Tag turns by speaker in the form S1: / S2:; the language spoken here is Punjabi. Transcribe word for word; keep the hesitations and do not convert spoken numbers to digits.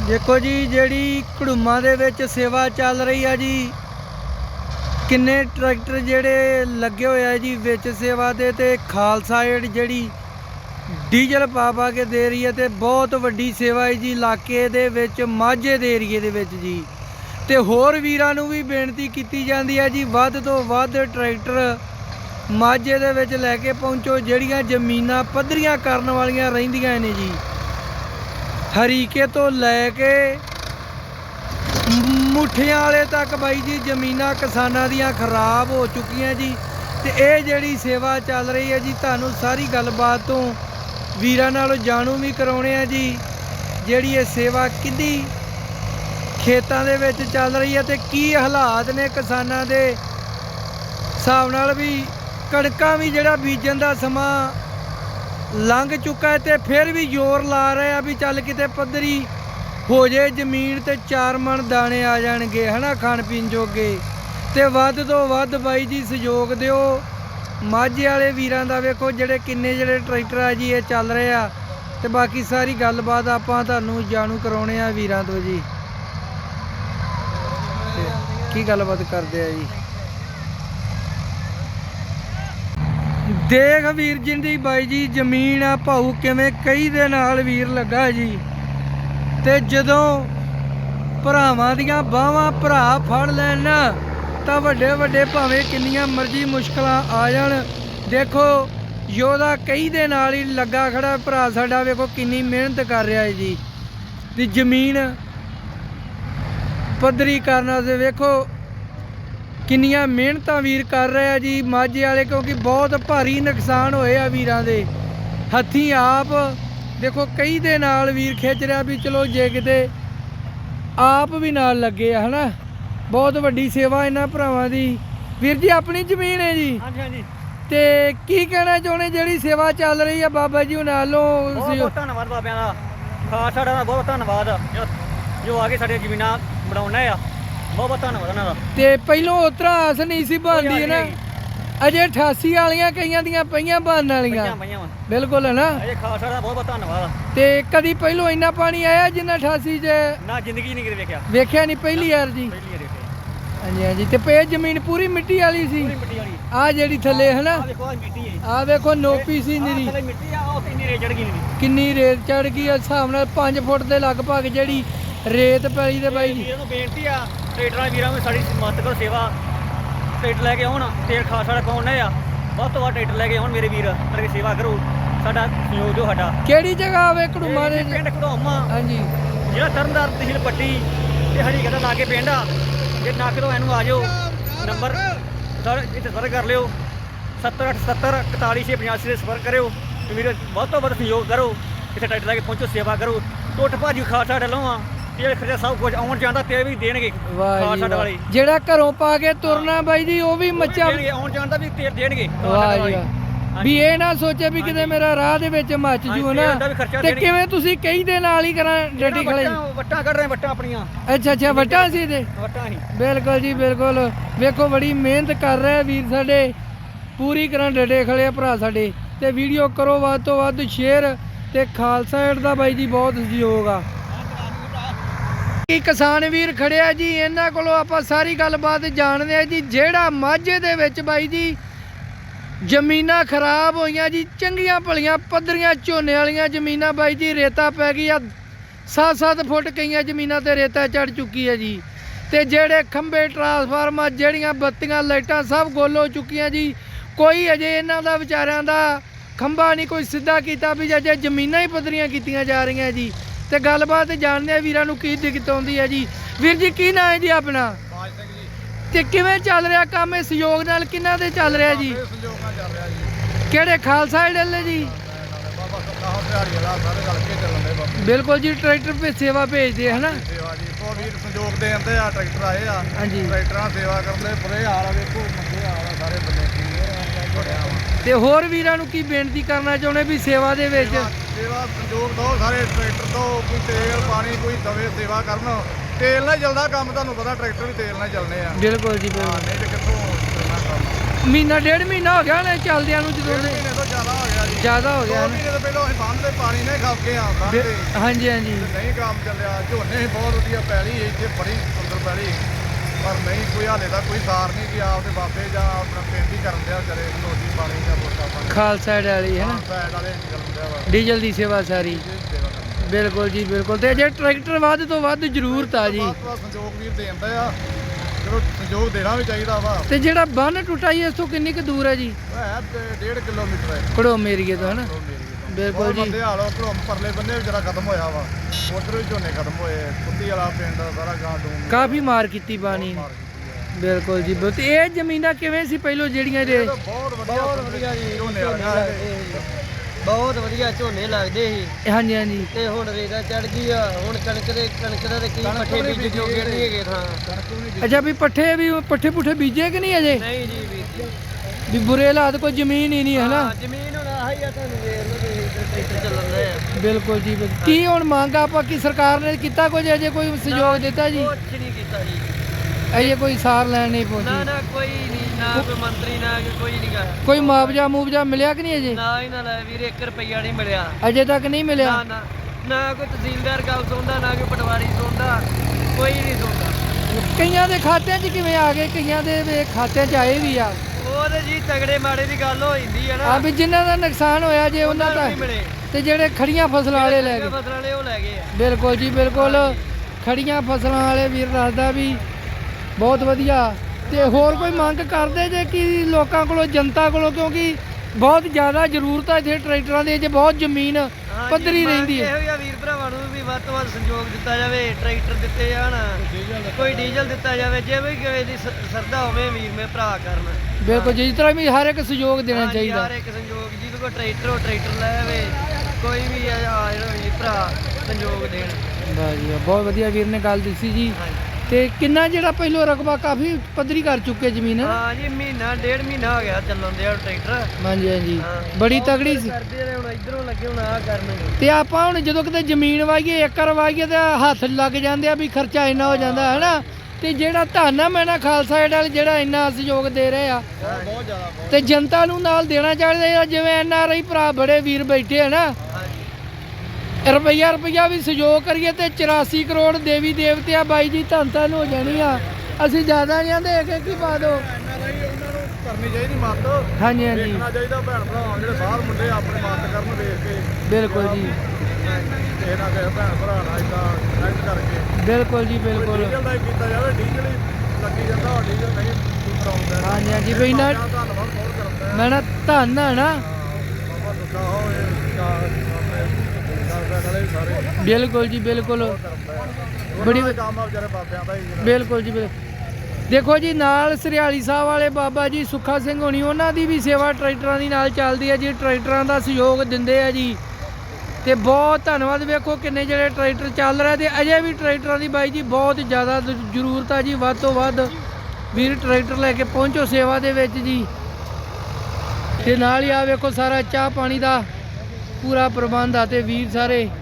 S1: देखो जी ਜਿਹੜੀ ਘੜੂਮਾ ਦੇ ਵਿੱਚ ਸੇਵਾ ਚੱਲ ਰਹੀ ਆ ਜੀ ਕਿੰਨੇ ਟਰੈਕਟਰ ਜਿਹੜੇ ਲੱਗੇ ਹੋਏ ਆ ਜੀ ਵਿੱਚ ਸੇਵਾ ਦੇ ਤੇ ਖਾਲਸਾ ਏਡ ਜਿਹੜੀ ਡੀਜ਼ਲ ਪਾ ਪਾ ਕੇ ਦੇ ਰਹੀ ਹੈ ਤੇ ਬਹੁਤ ਵੱਡੀ ਸੇਵਾ ਹੈ ਜੀ ਇਲਾਕੇ ਦੇ ਵਿੱਚ ਮਾਝੇ ਦੇ ਏਰੀਏ ਦੇ ਵਿੱਚ ਜੀ। ਤੇ ਹੋਰ ਵੀਰਾਂ ਨੂੰ ਵੀ ਬੇਨਤੀ ਕੀਤੀ ਜਾਂਦੀ ਹੈ ਜੀ ਵੱਧ ਤੋਂ ਵੱਧ ਟਰੈਕਟਰ ਮਾਝੇ ਦੇ ਵਿੱਚ ਲੈ ਕੇ ਪਹੁੰਚੋ ਜਿਹੜੀਆਂ ਜ਼ਮੀਨਾਂ ਪੱਧਰੀਆਂ ਕਰਨ ਵਾਲੀਆਂ ਰਹਿੰਦੀਆਂ ਨੇ ਜੀ। ਹਰੀਕੇ ਤੋਂ ਲੈ ਕੇ ਮੁੱਠਿਆਂ ਵਾਲੇ ਤੱਕ ਬਾਈ ਜੀ ਜ਼ਮੀਨਾਂ ਕਿਸਾਨਾਂ ਦੀਆਂ ਖਰਾਬ ਹੋ ਚੁੱਕੀਆਂ ਜੀ। ਤੇ ਇਹ ਜਿਹੜੀ ਸੇਵਾ ਚੱਲ ਰਹੀ ਹੈ ਜੀ ਤੁਹਾਨੂੰ ਸਾਰੀ ਗੱਲਬਾਤ ਤੋਂ ਵੀਰਾਂ ਨਾਲੋਂ ਜਾਣੂ ਵੀ ਕਰਾਉਣੇ ਆ ਜੀ ਜਿਹੜੀ ਇਹ ਸੇਵਾ ਕਿੰਨੀ ਖੇਤਾਂ ਦੇ ਵਿੱਚ ਚੱਲ ਰਹੀ ਹੈ ਤੇ ਕੀ ਹਾਲਾਤ ਨੇ ਕਿਸਾਨਾਂ ਦੇ ਹਿਸਾਬ ਨਾਲ ਵੀ ਕਣਕਾਂ ਵੀ ਜਿਹੜਾ ਬੀਜਣ ਦਾ ਸਮਾਂ ਲੰਘ ਚੁੱਕਾ ਹੈ ਤੇ ਫਿਰ ਵੀ ਜ਼ੋਰ ਲਾ ਰਹੇ ਆ ਵੀ ਚੱਲ ਕਿਤੇ ਪੱਧਰੀ ਹੋ ਜੇ ਜ਼ਮੀਨ ਤੇ ਚਾਰ ਮਣ ਦਾਣੇ ਆ ਜਾਣਗੇ ਹਨਾ ਖਾਣ ਪੀਣ ਜੋਗੇ। ਤੇ ਵੱਧ ਤੋਂ ਵੱਧ ਬਾਈ ਜੀ ਸਹਿਯੋਗ ਦਿਓ ਮਾਝੇ ਵਾਲੇ ਵੀਰਾਂ ਦਾ। ਵੇਖੋ ਜਿਹੜੇ ਕਿੰਨੇ ਜਿਹੜੇ ਟਰੈਕਟਰ ਆ ਜੀ ਇਹ ਚੱਲ ਰਹੇ ਆ ਤੇ ਬਾਕੀ ਸਾਰੀ ਗੱਲਬਾਤ ਆਪਾਂ ਤੁਹਾਨੂੰ ਜਾਣੂ ਕਰਾਉਣੇ ਆ ਵੀਰਾਂ ਤੋਂ ਜੀ। ਤੇ ਕੀ ਗੱਲਬਾਤ ਕਰਦੇ ਆ ਜੀ ਦੇਖ ਵੀਰ ਜੀ ਦੀ ਬਾਈ ਜੀ ਜ਼ਮੀਨ ਆ ਭਾਊ ਕਿਵੇਂ ਕਈ ਦੇ ਨਾਲ ਵੀਰ ਲੱਗਾ ਜੀ। ਤੇ ਜਦੋਂ ਭਰਾਵਾਂ ਦੀਆਂ ਬਾਹਾਂ ਭਰਾ ਫੜ ਲੈਣ ਤਾਂ ਵੱਡੇ ਵੱਡੇ ਭਾਵੇਂ ਕਿੰਨੀਆਂ ਮਰਜ਼ੀ ਮੁਸ਼ਕਲਾਂ ਆ ਜਾਣ ਦੇਖੋ ਯੋਧਾ ਕਈ ਦੇ ਨਾਲ ਹੀ ਲੱਗਾ ਖੜਾ ਭਰਾ ਸਾਡਾ। ਵੇਖੋ ਕਿੰਨੀ ਮਿਹਨਤ ਕਰ ਰਿਹਾ ਹੈ ਜੀ ਤੇ ਜ਼ਮੀਨ ਪੱਧਰੀ ਕਰਨ ਵਾਸਤੇ ਵੇਖੋ ਕਿੰਨੀਆਂ ਮਿਹਨਤਾਂ ਵੀਰ ਕਰ ਰਹੇ ਆ ਜੀ ਮਾਝੇ ਵਾਲੇ ਕਿਉਂਕਿ ਬਹੁਤ ਭਾਰੀ ਨੁਕਸਾਨ ਹੋਏ ਆ ਵੀਰਾਂ ਦੇ ਹੱਥੀਂ ਆਪ ਦੇਖੋ ਕਈ ਦੇ ਨਾਲ ਵੀਰ ਖਿੱਚ ਰਿਹਾ ਵੀ ਚਲੋ ਜੇ ਕਿਤੇ ਆਪ ਵੀ ਨਾਲ ਲੱਗੇ ਆ ਹਨਾ। ਬਹੁਤ ਵੱਡੀ ਸੇਵਾ ਇਹਨਾਂ ਭਰਾਵਾਂ ਦੀ। ਵੀਰ ਜੀ ਆਪਣੀ ਜ਼ਮੀਨ ਹੈ ਜੀ।
S2: ਹਾਂਜੀ ਹਾਂਜੀ।
S1: ਤੇ ਕੀ ਕਹਿਣਾ ਚਾਹੁੰਦੇ ਜਿਹੜੀ ਸੇਵਾ ਚੱਲ ਰਹੀ ਆ ਬਾਬਾ ਜੀ ਨਾਲੋਂ?
S2: ਬਹੁਤ ਬਹੁਤ ਧੰਨਵਾਦ ਬਾਬਿਆਂ ਦਾ ਖਾਸ ਸਾਡਾ ਦਾ ਬਹੁਤ ਧੰਨਵਾਦ ਜੋ ਆ ਕੇ ਸਾਡੀਆਂ ਜ਼ਮੀਨਾਂ ਬਣਾਉਣਾ ਆ। ਬਹੁਤ ਬਹੁਤ ਧੰਨਵਾਦ ਉਹਨਾਂ ਦਾ।
S1: ਤੇ ਪਹਿਲੋਂ ਉਤਰਾ ਆਸ ਨਹੀਂ ਸੀ ਬਣਦੀ ਹੈ ਨਾ ਅਜੇ ਅਠਾਸੀ ਵਾਲੀਆਂ ਕਈਆਂ ਦੀਆਂ ਪਈਆਂ ਬਣਨ ਵਾਲੀਆਂ ਬਿਲਕੁਲ ਹੈ ਨਾ।
S2: ਅਜੇ ਖਾਸ ਸਾਡਾ ਬਹੁਤ ਬਹੁਤ ਧੰਨਵਾਦ।
S1: ਤੇ ਕਦੀ ਪਹਿਲੋਂ ਇੰਨਾ ਪਾਣੀ ਆਇਆ ਜਿੰਨਾ ਅਠਾਸੀ ਚ
S2: ਨਾ ਜ਼ਿੰਦਗੀ ਨਹੀਂ ਕਦੇ ਵੇਖਿਆ
S1: ਵੇਖਿਆ ਨਹੀਂ ਪਹਿਲੀ ਯਾਰ ਜੀ।
S2: ਪਹਿਲੀ ਵਾਰ ਵੇਖਿਆ।
S1: ਹਾਂਜੀ ਹਾਂਜੀ। ਤੇ ਪੇ ਜ਼ਮੀਨ ਪੂਰੀ ਮਿੱਟੀ ਵਾਲੀ ਸੀ
S2: ਪੂਰੀ ਮਿੱਟੀ ਵਾਲੀ
S1: ਆ ਜਿਹੜੀ ਥੱਲੇ ਹੈ ਨਾ।
S2: ਆ ਵੇਖੋ ਆ ਮਿੱਟੀ ਹੈ
S1: ਆ ਵੇਖੋ ਨੋਪੀ ਸੀ ਨਿਰੀ
S2: ਥੱਲੇ ਮਿੱਟੀ ਆ ਉਹ ਕਿੰਨੀ ਰੇਤ ਚੜ ਗਈ ਨਹੀਂ
S1: ਕਿੰਨੀ ਰੇਤ ਚੜ ਗਈ ਆ ਹਿਸਾਬ ਨਾਲ ਪੰਜ ਫੁੱਟ ਦੇ ਲਗਭਗ ਜਿਹੜੀ ਰੇਤ ਪੈਲੀ ਦੇ ਬਾਈ ਜੀ।
S2: ਵੀਰਾਂ ਨੂੰ ਬੇਨਤੀ ਆ ਟਰੈਕਟਰਾਂ ਵੀਰਾਂ ਨੂੰ ਸਾਡੀ ਮਦਦ ਕਰੋ ਸੇਵਾ ਟਰੈਕਟਰ ਲੈ ਕੇ ਆਉਣ ਤੇਲ ਖਾਸ ਸਾਡਾ ਕੌਣ ਆ ਵੱਧ ਤੋਂ ਵੱਧ ਟਰੈਕਟਰ ਲੈ ਕੇ ਆਉਣ ਮੇਰੇ ਵੀਰ ਕਰਕੇ ਸੇਵਾ ਕਰੋ ਸਾਡਾ ਸਹਿਯੋਗ ਦਿਓ ਸਾਡਾ।
S1: ਕਿਹੜੀ ਜਗ੍ਹਾ ਆਵੇ ਘੜੂਮਾ ਦੇ
S2: ਪਿੰਡ ਘੜੂਮਾ
S1: ਹਾਂਜੀ
S2: ਜਿਹੜਾ ਤਰਨਤਾਰਨ ਤਹਿਸੀਲ ਪੱਟੀ ਤੇ ਹਰੀਕੇ ਦਾ ਲਾਗੇ ਪਿੰਡ ਆ। ਜੇ ਨੱਕ ਤੋਂ ਇਹਨੂੰ ਆ ਜਾਓ ਨੰਬਰ ਸਰ ਇੱਥੇ ਸੰਪਰਕ ਕਰ ਲਿਓ ਸੱਤਰ ਅੱਠ ਸੱਤਰ ਇਕਤਾਲੀ ਛੇ ਪਚਾਸੀ ਦੇ ਸੰਪਰਕ ਕਰਿਓ ਤੇ ਵੀਰ ਵੱਧ ਤੋਂ ਵੱਧ ਸਹਿਯੋਗ ਕਰੋ ਇੱਥੇ ਟਰੈਕਟਰ ਲੈ ਕੇ ਪਹੁੰਚੋ ਸੇਵਾ ਕਰੋ। ਟੁੱਟ ਭਾਜੀ ਖਾਲਸਾ ਢਲੋਂ ਆ ਇਹ ਖਰਚਾ ਸਭ ਕੁਝ ਆਉਣ ਜਾਂਦਾ ਤੇ ਵੀ ਦੇਣਗੇ ਖਾਲਸਾ ਵਾਲੇ
S1: ਜਿਹੜਾ ਘਰੋਂ ਪਾ ਕੇ ਤੁਰਨਾ ਬਾਈ ਜੀ ਉਹ ਵੀ ਮੱਚਾ
S2: ਆਉਣ ਜਾਂਦਾ ਵੀ ਤੇਲ ਦੇਣਗੇ।
S1: ਵੀ ਇਹ ਨਾ ਸੋਚੇ ਵੀ ਕਿਤੇ ਮੇਰਾ ਰਾਹ ਦੇ ਵਿੱਚ ਮੱਚ ਜੂ ਨਾ। ਤੇ ਕਿਵੇਂ ਤੁਸੀਂ ਕਈ ਦੇ ਨਾਲ ਹੀ ਕਰਾਂ ਡੱਡੀ ਖੜੇ
S2: ਵੱਟਾਂ ਕੱਢ ਰਹੇ ਵੱਟਾਂ ਆਪਣੀਆਂ।
S1: ਅੱਛਾ ਅੱਛਾ ਵੱਟਾਂ ਸੀ ਤੇ
S2: ਵੱਟਾਂ ਹੀ
S1: ਬਿਲਕੁਲ ਜੀ ਬਿਲਕੁਲ। ਵੇਖੋ ਬੜੀ ਮਿਹਨਤ ਕਰ ਰਹੇ ਵੀਰ ਸਾਡੇ ਪੂਰੀ ਕਰਾਂ ਡੱਡੇ ਖੜੇ ਆ ਭਰਾ ਸਾਡੇ। ਤੇ ਵੀਡੀਓ ਕਰੋ ਵੱਧ ਤੋਂ ਵੱਧ ਸ਼ੇਅਰ ਤੇ ਖਾਲਸਾ ਏਡ ਦਾ ਬਾਈ ਜੀ ਬਹੁਤ ਸਹਿਯੋਗ ਆ। ਕਿਸਾਨ ਵੀਰ ਖੜਿਆ ਜੀ ਇਹਨਾਂ ਕੋਲੋਂ ਆਪਾਂ ਸਾਰੀ ਗੱਲਬਾਤ ਜਾਣਦੇ ਆ ਜੀ। ਜਿਹੜਾ ਮਾਝੇ ਦੇ ਵਿੱਚ ਬਾਈ ਜੀ ਜ਼ਮੀਨਾਂ ਖਰਾਬ ਹੋਈਆਂ ਜੀ ਚੰਗੀਆਂ ਭਲੀਆਂ ਪੱਧਰੀਆਂ ਝੋਨੇ ਵਾਲੀਆਂ ਜ਼ਮੀਨਾਂ ਬਾਈ ਜੀ ਰੇਤਾ ਪੈ ਗਈ ਆ ਸੱਤ ਸੱਤ ਫੁੱਟ ਕਈਆਂ ਜ਼ਮੀਨਾਂ ਤੇ ਰੇਤਾ ਚੜ ਚੁੱਕੀ ਹੈ ਜੀ। ਤੇ ਜਿਹੜੇ ਖੰਭੇ ਟਰਾਂਸਫਾਰਮਰ ਜਿਹੜੀਆਂ ਬੱਤੀਆਂ ਲਾਈਟਾਂ ਸਭ ਗੋਲ ਹੋ ਚੁੱਕੀਆਂ ਜੀ। ਕੋਈ ਅਜੇ ਇਹਨਾਂ ਦਾ ਵਿਚਾਰਿਆਂ ਦਾ ਖੰਭਾ ਨਹੀਂ ਕੋਈ ਸਿੱਧਾ ਕੀਤਾ ਵੀ ਅਜੇ ਜ਼ਮੀਨਾਂ ਹੀ ਪੱਧਰੀਆਂ ਕੀਤੀਆਂ ਜਾ ਰਹੀਆਂ ਜੀ। ਤੇ ਗੱਲਬਾਤ ਜਾਣਦੇ ਆ ਵੀਰਾਂ ਨੂੰ ਕੀ ਦਿੱਕਤ ਆਉਂਦੀ ਹੈ ਜੀ। ਵੀਰ ਜੀ ਕੀ ਨਾਂ ਹੈ ਜੀ ਆਪਣਾ ਤੇ ਕਿਵੇਂ ਚੱਲ ਰਿਹਾ ਕੰਮ ਇਹ ਸਹਿਯੋਗ ਨਾਲ ਕਿਹਨਾਂ ਦੇ ਚੱਲ ਰਿਹਾ ਜੀ? ਕਿਹੜੇ ਖਾਲਸਾ ਏਡ ਜੀ? ਬਿਲਕੁਲ ਜੀ ਟਰੈਕਟਰ ਤੇ ਸੇਵਾ ਭੇਜਦੇ ਹਨਾ
S2: ਸਹਿਯੋਗ ਦੇ ਆਂਦੇ ਆ ਟਰੈਕਟਰ ਆਏ ਆ
S1: ਹਾਂਜੀ
S2: ਟਰੈਕਟਰਾਂ ਸੇਵਾ ਕਰਨ ਦੇ ਬੁਰੇ ਹਾਲ ਆ ਵੇਖੋ ਮੰਦੇ ਹਾਲ ਆ ਸਾਰੇ ਬੰਦੇ।
S1: ਤੇ ਹੋਰ ਵੀਰਾਂ ਨੂੰ ਕੀ ਬੇਨਤੀ ਕਰਨਾ ਚਾਹੁੰਦੇ ਵੀ ਸੇਵਾ ਦੇ ਵਿੱਚ
S2: ਸੇਵਾ ਸੰਯੋਗ ਦੋ ਸਾਰੇ ਟਰੈਕਟਰ ਤੋਂ ਕੋਈ ਤੇਲ ਪਾਣੀ ਕੋਈ ਦਵੇ ਸੇਵਾ ਕਰਨ। ਤੇਲ ਨਾਲ ਚੱਲਦਾ ਕੰਮ ਤੁਹਾਨੂੰ ਪਤਾ ਟਰੈਕਟਰ ਵੀ ਤੇਲ ਨਾਲ ਚੱਲਣੇ ਆ।
S1: ਬਿਲਕੁਲ ਜੀ
S2: ਨਹੀਂ ਤੇ ਕਿੱਥੋਂ ਚੱਲਣਾ ਕੰਮ।
S1: ਮਹੀਨਾ ਡੇਢ ਮਹੀਨਾ ਹੋ ਗਿਆ ਨੇ ਚੱਲਦਿਆਂ ਨੂੰ ਜਦੋਂ
S2: ਮਹੀਨੇ ਤੋਂ ਜ਼ਿਆਦਾ ਹੋ ਗਿਆ
S3: ਜੀ
S1: ਜ਼ਿਆਦਾ ਹੋ ਗਿਆ
S3: ਦੋ
S1: ਨਾ।
S3: ਮਹੀਨੇ ਤੋਂ ਪਹਿਲਾਂ ਅਸੀਂ ਬੰਦ ਦੇ ਪਾਣੀ ਨੇ ਖਾਪ ਕੇ ਆ ਬੰਦ
S1: ਬਿ-
S3: ਦੇ
S1: ਹਾਂਜੀ ਹਾਂਜੀ
S3: ਤੇ ਨਹੀਂ ਕੰਮ ਚੱਲਿਆ। ਝੋਨੇ ਸੀ ਬਹੁਤ ਵਧੀਆ ਪੈਲੀ ਸੀ ਇੱਥੇ ਬੜੀ ਸੁੰਦਰ ਪੈਲੀ ਸੀ। ਪਰ ਨਹੀਂ ਕੋਈ ਹਾਲੇ ਦਾ ਕੋਈ ਸਾਰ ਨਹੀਂ ਕਿ ਆਪਦੇ ਬਾਬੇ ਜਾਂ ਆਪਣਾ ਪਿੰਡ ਹੀ ਕਰਨ ਦਿਆ ਵਿਚਾਰੇ ਰੋਟੀ ਪਾਣੀ ਜਾਂ ਵੋਟਾਂ ਪਾਣੀ
S1: ਖਾਲਸਾ ਏਡ ਵਾਲੀ ਹੈ ਨਾ,
S3: ਸਾਈਡ ਵਾਲੇ ਨਿਕਲ ਦਿਆ ਵਾ
S1: ਡੀਜ਼ਲ ਦੀ ਸੇਵਾ ਸਾਰੀ।
S3: ਇਹ ਸੇਵਾ ਕਰਦੇ
S1: ਬਿਲਕੁਲ ਜੀ ਬਿਲਕੁਲ। ਤੇ ਜੇ ਟਰੈਕਟਰ ਵੱਧ ਤੋਂ ਵੱਧ ਜ਼ਰੂਰਤ ਆ ਜੀ।
S3: ਵੱਧ ਤੋਂ ਵੱਧ ਸੰਯੋਗ ਵੀਰ ਦੇਂਦਾ ਆ, ਚਲੋ ਸੰਯੋਗ ਦੇਣਾ ਵੀ ਚਾਹੀਦਾ ਵਾ।
S1: ਤੇ ਜਿਹੜਾ ਬੰਨ ਟੁੱਟਾ ਜੀ ਇਸ ਤੋਂ ਕਿੰਨੀ ਕੁ ਦੂਰ ਹੈ ਜੀ?
S3: ਉਹ ਹੈ ਤੇ ਡੇਢ ਕਿਲੋਮੀਟਰ ਹੈ
S1: ਘੜੋਮ ਏਰੀਏ ਤੋਂ ਹੈ ਨਾ।
S3: ਕਿਲੋਮੀਟਰ ਤੋਂ।
S1: ਬਿਲਕੁਲ
S3: ਬਹੁਤ
S1: ਜੀ।
S3: ਬੰਦੇ ਹਾਲ ਉਹ ਘੜੋਮ ਪਰਲੇ ਬੰਨੇ ਵੀ ਜਰਾ ਖਤਮ ਹੋਇਆ ਵਾ, ਉਧਰ ਵੀ ਝੋਨੇ ਖਤਮ ਹੋਏ। ਕੁੱਤੀ ਵਾਲਾ ਪਿੰਡ ਸਾਰਾ ਗਾਂ ਡੂਮ
S1: ਕਾਫੀ ਮਾਰ ਕੀਤੀ ਪਾਣੀ ਨੇ।
S3: ਮਾਰ ਕੀਤੀ ਹੈ।
S1: ਬਿਲਕੁਲ ਜੀ ਬਿਲਕੁਲ। ਤੇ ਇਹ ਜ਼ਮੀਨਾਂ ਕਿਵੇਂ ਸੀ ਪਹਿਲੋਂ ਜਿਹੜੀਆਂ ਜੇ?
S3: ਇਹ ਤਾਂ ਬਹੁਤ ਵਧੀਆ
S4: ਬਹੁਤ ਵਧੀਆ ਜੀ
S3: ਝੋਨੇ
S4: ਝੋਨੇ
S3: ਵਾਲਾ
S4: ਲੱਗਦੇ ਸੀ। ਬਹੁਤ ਵਧੀਆ ਝੋਨੇ ਲੱਗਦੇ ਸੀ
S1: ਹਾਂਜੀ ਹਾਂਜੀ।
S4: ਤੇ ਹੁਣ ਰੇਤਾ ਚੜ ਗਈ ਆ। ਹੁਣ ਕਣਕ ਦੇ ਕਣਕ ਦਾ ਤੇ ਕੀ
S3: ਕਣਕ
S4: ਪੱਠੇ
S3: ਵੀ
S4: ਬੀਜ ਜੋਗੇ ਨਹੀਂ ਹੈਗੇ ਥਾਂ।
S3: ਕਣਕ ਵੀ ਨਹੀਂ
S1: ਅੱਛਾ ਵੀ ਪੱਠੇ ਵੀ ਪੱਠੇ ਪੁੱਠੇ ਬੀਜੇ ਕਿ ਨਹੀਂ ਅਜੇ?
S4: ਨਹੀਂ ਜੀ ਵੀਰ ਜੀ
S1: ਵੀ ਬੁਰੇ ਹਾਲਾਤ, ਕੋਈ ਜ਼ਮੀਨ ਹੀ ਨਹੀਂ ਹੈ ਨਾ।
S4: ਹਾਂ, ਜ਼ਮੀਨ ਹੁਣ ਆਹੀ ਆ, ਤੁਹਾਨੂੰ ਵੇਖ ਲਓ ਤੁਸੀਂ ਇੱਧਰ ਟਰੈਕਟਰ ਚੱਲਣ ਦੇ ਆ।
S1: ਬਿਲਕੁਲ ਜੀ ਬਿਲਕੁਲ। ਕੀ ਹੁਣ ਮੰਗ ਆਪਾਂ ਕੀ ਸਰਕਾਰ ਨੇ ਕੀਤਾ ਕੁਝ ਅਜੇ, ਕੋਈ ਸਹਿਯੋਗ ਦਿੱਤਾ ਜੀ?
S4: ਕੁਛ ਨਹੀਂ ਕੀਤਾ ਜੀ।
S1: ਅਜੇ ਕੋਈ ਸਾਰ ਲੈਣ ਨਹੀਂ
S4: ਨਾ
S1: ਪਹੁੰਚੀ?
S4: ਨਾ ਕੋਈ ਨਹੀਂ, ਨਾ ਕੋਈ ਮੰਤਰੀ ਨਾ ਕੋਈ ਨਹੀਂ ਗਾ।
S1: ਕੋਈ ਮੁਆਵਜ਼ਾ ਮੁਆਵਜ਼ਾ ਮਿਲਿਆ ਕਿ ਨਹੀਂ ਅਜੇ?
S4: ਨਾ ਹੀ ਨਾ ਲੈ ਵੀਰ, ਇੱਕ ਰੁਪਈਆ ਨਹੀਂ ਮਿਲਿਆ।
S1: ਅਜੇ ਤੱਕ ਨਹੀਂ ਮਿਲਿਆ?
S4: ਨਾ ਨਾ ਨਾ ਕੋਈ ਤਹਿਸੀਲਦਾਰ ਗੱਲ ਸੁਣਦਾ, ਨਾ ਕੋਈ ਪਟਵਾਰੀ ਸੁਣਦਾ, ਕੋਈ ਨਹੀਂ ਸੁਣਦਾ।
S1: ਕਈਆਂ ਦੇ ਖਾਤਿਆਂ 'ਚ ਕਿਵੇਂ ਆ ਗਏ? ਕਈਆਂ ਦੇ ਵੀ ਖਾਤਿਆਂ 'ਚ ਆਏ ਵੀ ਆ।
S4: ਉਹ ਤੇ ਜੀ ਤਗੜੇ ਮਾੜੇ ਦੀ ਗੱਲ ਹੋ ਜਾਂਦੀ ਹੈ ਨਾ।
S1: ਆ ਵੀ ਜਿਨ੍ਹਾਂ ਦਾ ਨੁਕਸਾਨ ਹੋਇਆ ਜੇ ਉਹਨਾਂ
S4: ਨੂੰ
S1: ਦਾ,
S4: ਨਹੀਂ ਮਿਲੇ।
S1: ਤੇ ਜਿਹੜੇ ਖੜੀਆਂ ਫਸਲਾਂ ਵਾਲੇ ਲੈ ਗਏ।
S4: ਫਸਲਾਂ ਵਾਲੇ ਉਹ ਲੈ ਗਏ ਆ।
S1: ਬਿਲਕੁਲ ਜੀ ਬਿਲਕੁਲ। ਖੜੀਆਂ ਫਸਲਾਂ ਵਾਲੇ ਵੀਰ ਦੱਸਦਾ ਵੀ ਬਹੁਤ ਵਧੀਆ। ਤੇ ਹੋਰ ਕੋਈ ਮੰਗ ਕਰਦੇ ਜੇ ਕਿ ਲੋਕਾਂ ਕੋਲੋਂ, ਜਨਤਾ ਕੋਲੋਂ, ਕਿਉਂਕਿ ਬਹੁਤ ਜ਼ਿਆਦਾ ਜ਼ਰੂਰਤ ਹੈ ਇੱਥੇ ਟਰੈਕਟਰਾਂ ਦੀ, ਜੇ ਬਹੁਤ ਜ਼ਮੀਨ
S4: ਹਾਂਜੀ,
S1: ਪੱਧਰੀ
S4: ਮੰਗ
S1: ਰਹਿੰਦੀ ਹੈ।
S4: ਇਹੋ ਜਿਹਾ ਵੀਰ ਭਰਾਵਾਂ ਨੂੰ ਵੀ ਵੱਧ ਤੋਂ ਵੱਧ ਸੰਯੋਗ ਦਿੱਤਾ ਜਾਵੇ, ਟਰੈਕਟਰ ਦਿੱਤੇ ਜਾਣ, ਕੋਈ ਡੀਜ਼ਲ ਦਿੱਤਾ ਜਾਵੇ, ਜਿਵੇਂ ਕਿਸੇ ਦੀ ਸ- ਸਰਦਾ ਹੋਵੇ ਵੀਰ ਮੇ ਭਰਾ ਕਰਨ।
S1: ਬਿਲਕੁਲ ਜੀ, ਜਿਸ ਤਰ੍ਹਾਂ ਵੀ ਹਰ ਇੱਕ ਸਹਿਯੋਗ ਦੇਣਾ
S4: ਹਾਂਜੀ,
S1: ਚਾਹੀਦਾ।
S4: ਹਰ ਇੱਕ ਸੰਯੋਗ, ਜਿਹਦੇ ਕੋਲ ਟਰੈਕਟਰ ਉਹ ਟਰੈਕਟਰ ਲੈ ਆਵੇ, ਕੋਈ ਵੀ ਆ ਆ ਜਿਹੜਾ ਵੀਰ ਭਰਾ ਸੰਯੋਗ ਦੇਣ।
S1: ਵਾਹ ਜੀ ਵਾਹ, ਬਹੁਤ ਵਧੀਆ ਵੀਰ ਨੇ ਗੱਲ ਦੱਸੀ ਜੀ।
S4: ਹਾਂਜੀ
S1: ਤੇ ਕਿੰਨਾ ਜਿਹੜਾ ਪਹਿਲੋਂ ਰਕਬਾ ਕਾਫੀ ਪੱਧਰੀ ਕਰ ਚੁੱਕੇ ਜ਼ਮੀਨ?
S4: ਹਾਂ ਜੀ, ਮਹੀਨਾ ਡੇਢ ਮਹੀਨਾ ਹੋ ਗਿਆ ਚੱਲਣ ਦੇ ਟਰੈਕਟਰ।
S1: ਹਾਂਜੀ ਹਾਂਜੀ,
S4: ਹਾਂ,
S1: ਬੜੀ
S4: ਬਹੁਤ
S1: ਤਗੜੀ ਸੀ।
S4: ਕਰਦੇ ਰਹੇ, ਹੁਣ ਇਧਰੋਂ ਲੱਗੇ, ਹੁਣ ਆ ਕਰਨ।
S1: ਤੇ ਆਪਾਂ ਹੁਣ ਜਦੋਂ ਕਿਤੇ ਜ਼ਮੀਨ ਵਾਹੀਏ, ਏਕੜ ਵਾਹੀਏ, ਤੇ ਹੱਥ ਲੱਗ ਜਾਂਦੇ ਆ ਵੀ ਖਰਚਾ ਇੰਨਾ ਹੋ ਜਾਂਦਾ ਹੈ ਨਾ। ਤੇ ਜਿਹੜਾ ਧੰਨ ਆ ਮੈਂ ਨਾ ਖਾਲਸਾ ਏਡ ਵਾਲੇ ਜਿਹੜਾ ਇੰਨਾ ਸਹਿਯੋਗ ਦੇ ਰਹੇ ਆ,
S3: ਬਹੁਤ ਜ਼ਿਆਦਾ ਬਹੁਤ
S1: ਤੇ ਜਨਤਾ ਨੂੰ ਨਾਲ ਦੇਣਾ ਚਾਹੀਦਾ। ਜਿਵੇਂ ਐਨ ਆਰ ਆਈ ਭਰਾ ਬੜੇ ਵੀਰ ਬੈਠੇ ਆ ਨਾ,
S4: ਹਾਂਜੀ
S1: ਰੁਪਈਆ ਰੁਪਈਆ ਵੀ ਸਹਿਯੋਗ ਕਰੀਏ ਤੇ ਚੁਰਾਸੀ ਕਰੋੜ ਦੇਵੀ ਦੇਵਤੇ ਆ ਬਾਈ ਜੀ, ਧੰਨ ਧੰਨ ਹੋ ਜਾਣੀ ਆ। ਅਸੀਂ ਜ਼ਿਆਦਾ ਨਹੀਂ ਆਂਦੇ, ਇੱਕ ਇੱਕ ਹੀ ਪਾ ਦਿਓ।
S3: ਐਨਆਰਆਈ ਉਹਨਾਂ ਨੂੰ ਕਰਨੀ ਚਾਹੀਦੀ ਮਦਦ।
S1: ਹਾਂਜੀ ਹਾਂਜੀ,
S3: ਦੇਖਣਾ ਚਾਹੀਦਾ ਭੈਣ ਭਰਾਵਾਂ ਜਿਹੜੇ ਬਾਹਰ ਮੁੰਡੇ ਆਪਣੇ ਮਦਦ ਕਰਨ ਵੇਖ ਕੇ।
S1: ਬਿਲਕੁਲ ਜੀ
S3: ਕਿਸੇ ਨਾ ਕਿਸੇ ਭੈਣ ਭਰਾ ਨਾਲ ਇਦਾਂ ਕਨੈਕਟ ਕਰਕੇ
S1: ਬਿਲਕੁਲ ਜੀ ਬਿਲਕੁਲ।
S3: ਡੀਜ਼ਲ ਦਾ ਹੀ ਕੀਤਾ ਜਾਵੇ। ਡੀਜ਼ਲ ਹੀ ਲੱਗੀ ਜਾਂਦਾ, ਉਹ ਡੀਜ਼ਲ ਨਹੀਂ ਕਰਾਉਂਦਾ।
S1: ਹਾਂਜੀ ਹਾਂਜੀ, ਬਈ ਨਾ
S3: ਧੰਨਵਾਦ ਬਹੁਤ ਕਰਦਾ।
S1: ਮੈਂ ਨਾ ਧੰਨ ਆ ਨਾ।
S3: ਬਾਬਾ ਦੁੱਖਾ ਹੋਏ ਚਾਰ ਨਾਲੇ ਸਾਰੇ
S1: ਬਿਲਕੁਲ ਜੀ ਬਿਲਕੁਲ।
S3: ਬੜੀ ਕੰਮ ਆ ਵਿਚਾਰੇ ਬਾਬਿਆਂ ਦਾ ਹੀ ਜਿਹੜਾ।
S1: ਬਿਲਕੁਲ ਜੀ ਬਿਲਕੁਲ। ਦੇਖੋ ਜੀ, ਨਾਲ ਸਰਿਆਲੀ ਸਾਹਿਬ ਵਾਲੇ ਬਾਬਾ ਜੀ ਸੁੱਖਾ ਸਿੰਘ ਹੋਣੀ, ਉਹਨਾਂ ਦੀ ਵੀ ਸੇਵਾ ਟਰੈਕਟਰਾਂ ਦੀ ਨਾਲ ਚੱਲਦੀ ਹੈ ਜੀ। ਟਰੈਕਟਰਾਂ ਦਾ ਸਹਿਯੋਗ ਦਿੰਦੇ ਆ ਜੀ, ਤੇ ਬਹੁਤ ਧੰਨਵਾਦ। ਵੇਖੋ ਕਿੰਨੇ ਜਿਹੜੇ ਟਰੈਕਟਰ ਚੱਲ ਰਹੇ, ਤੇ ਅਜੇ ਵੀ ਟਰੈਕਟਰਾਂ ਦੀ ਬਾਈ ਜੀ ਬਹੁਤ ਜ਼ਿਆਦਾ ਜ਼- ਜ਼ਰੂਰਤ ਆ ਜੀ। ਵੱਧ ਤੋਂ ਵੱਧ ਵੀਰ ਟਰੈਕਟਰ ਲੈ ਕੇ ਪਹੁੰਚੋ ਸੇਵਾ ਦੇ ਵਿੱਚ ਜੀ। ਤੇ ਨਾਲ ਹੀ ਆ ਵੇਖੋ ਸਾਰਾ ਚਾਹ ਪਾਣੀ ਦਾ ਪੂਰਾ ਪ੍ਰਬੰਧ ਆ, ਤੇ ਵੀਰ ਸਾਰੇ